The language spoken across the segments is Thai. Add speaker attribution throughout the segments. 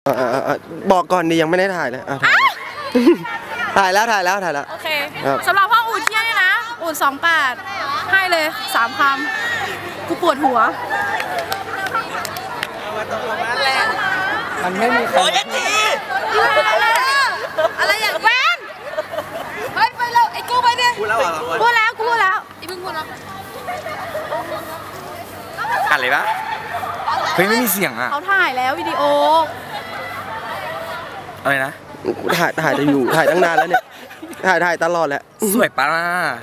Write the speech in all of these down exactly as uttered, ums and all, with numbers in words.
Speaker 1: บอกก่อนดิยังไม่ได้ถ่ายเลยถ่ายแล้วถ่ายแล้วถ่ายแล้ว
Speaker 2: โอเคสำหรับห้องอุ่นเที่ยงนี่นะอุ่นสองแปดให้เลยสามคำกูปวดหัว
Speaker 3: มันไม่มีใคร
Speaker 2: อะไรอย่างแวนเฮ้ยไปแล้วไอ้กูไปดิพูดแล้วพูดแล้วกูพูดแล้วอีมึงพูดแล้ว
Speaker 3: อะไรปะเฮ้ยไม่มีเสียงอ่ะ
Speaker 2: เขาถ่ายแล้ววิดีโอ
Speaker 3: อะไรนะ
Speaker 1: ถ่ายถ่ายจะอยู่ถ่ายตั้งนานแล้วเนี่ยถ่ายถ่ายตลอดแหละ
Speaker 3: สวยปะ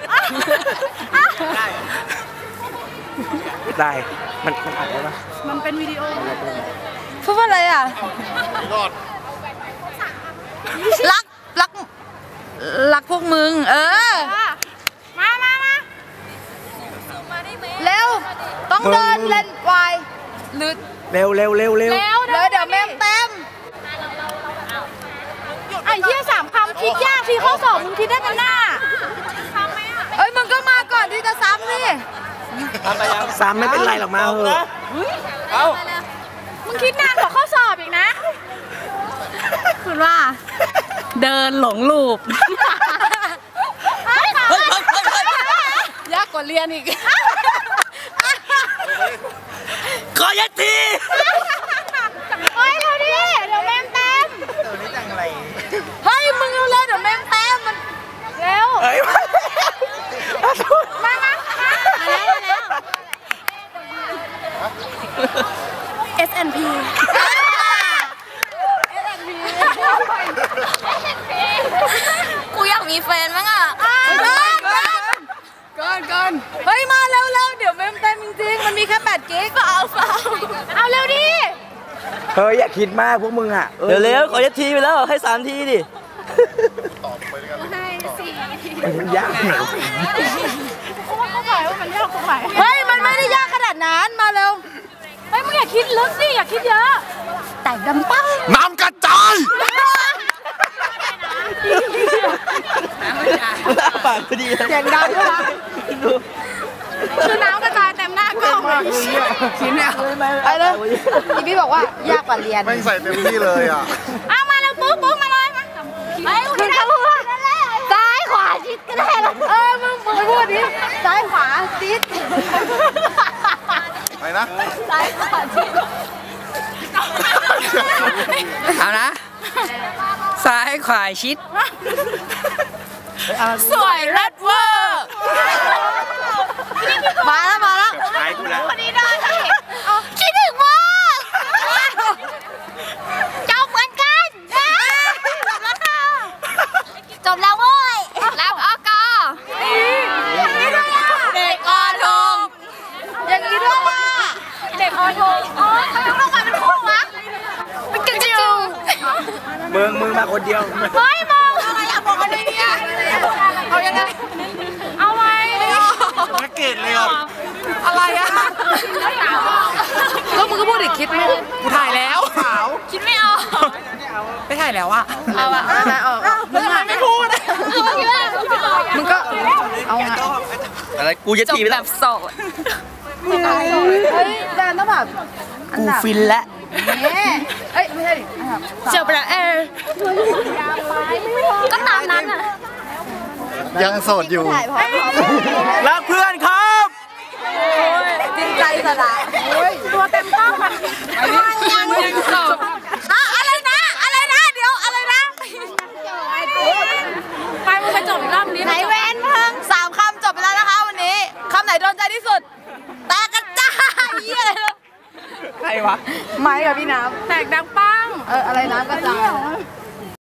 Speaker 3: ได้มันมันอัดได้ปะ
Speaker 2: มันเป็นวิดีโอพูดว่าอะไรอ่ะรักรักรักพวกมึงเออมามามาเร็วต้องเดินเล่นไวหรือ
Speaker 3: เร็วเร็วเร็วเร็ว
Speaker 2: เลยเดี๋ยวแม่เต็มไอ้เหี้ยสามคำคิดยากที่ข้อสอบมึงคิดได้เป็นหน้าเอ้ยมึงก็มาก่อนที่จะซ้ำสิ
Speaker 3: ซ้ำไม่เป็นไรหรอกมาเหอะเอา
Speaker 2: มึงคิดนานกว่าข้อสอบอีกนะคุณว่าเดินหลงลูปยากกว่าเรียนอีก
Speaker 3: ขอยัดที
Speaker 2: เฮ้ยเร็วดิเดี๋ยวแม่เต็ม
Speaker 3: ตัวนี้จังอะไร
Speaker 2: เฮ้ยมึงเร็วเดี๋ยวแม่เต็มมันเร็วมามามาแล้วมาแล้ว เอส เอ็น พี กูอยากมีแฟนมั้งอ่ะก่อนก่อนเฮ้ยมาเร็วเร็วเดี๋ยวเมมเต็มจริงๆมันมีแค่แปดกิกก็เอาเอาเร็วดิ
Speaker 3: เฮ้ยอย่าคิดมากพวกมึงอ่ะเดี๋ยวเร็วขอยัดทีไปแล้วให้สามทีดิ
Speaker 2: ให้สี่ที
Speaker 3: ยากเหรอ
Speaker 2: เขาบอกว่ามันยากตรงไหนเฮ้ยมันไม่ได้ยากขนาดนั้นมาเร็วเฮ้ยมึงอย่าคิดลึกสิอย่าคิดเยอะแต่ดำปั้ง
Speaker 3: น้ำกระจายปากพอดี
Speaker 2: เสียงดังด้วยนะคือน้ำกระจายเต็มหน้ากล้องเลย
Speaker 3: ชิ้นเนี่ย
Speaker 2: ไปเลยพี่พี่บอกว่ายากกว่าเรียน
Speaker 4: ไม่ใส่เต็มที่เลยอ่ะ
Speaker 2: เอามาแล้วปุ๊บปุ๊บมาเลยมาไปคุณเขาพูดซ้ายขวาชิดก็ได้หรอเออมึงมึงพูดดิซ้ายขวาชิด
Speaker 4: ไปนะ
Speaker 2: ซ้ายขวาชิด
Speaker 3: เอานะซ้ายขวาชิด
Speaker 2: สวยรัดเวอร์มาแล้วมาแล้วคนนี้ได้ที่คิดถึงว่าจบเหมือนกันจบแล้วเว้ยแล้วอกเด็กอทงอย่างนี้ด้วยว่าเด็กอทงอ๋อทำไมต้องมาเป็นคู่วะเป็นกระจิ๋ว
Speaker 3: มึงมึงมาคนเดียว
Speaker 2: เฮ้ยมองอะไรอยากบอกอะไรเนี่ยเอายังไงเอาไว้
Speaker 4: ไม่เกตเลยอ่ะ
Speaker 2: อะไรอะก็มึงก็พูดดิคิดไม่
Speaker 3: กูถ่ายแล้วขาว
Speaker 2: คิดไม่ออก
Speaker 3: ไม่ถ่ายแล้วอะ
Speaker 2: เอาอะเอาออกมึงไม่พูดมึงก็เอาไง
Speaker 3: อะไรกูจะที
Speaker 2: แบบโสดเฮ้ยแดนต้องแบบ
Speaker 3: กูฟินแล้ว
Speaker 2: เอ้ยไม่ใช่ดิเจอไปแล้วเออก็ตามนั้นอ่ะ
Speaker 4: ยังโสดอยู่
Speaker 3: รักเพื่อนครับ
Speaker 2: จริงใจสละตัวเต็มกล้องมันยังโสดอะไรนะอะไรนะเดี๋ยวอะไรนะไปมึงไปจบอีกรอบนี้ไหนเว้นเพิ่งสามคำจบไปแล้วนะคะวันนี้คำไหนโดนใจที่สุดแตกกระจายเยี่ยเลย
Speaker 3: ใครวะ
Speaker 2: ไม้กับพี่น้ำแตกดังปังเอออะไรน้ำกระจาย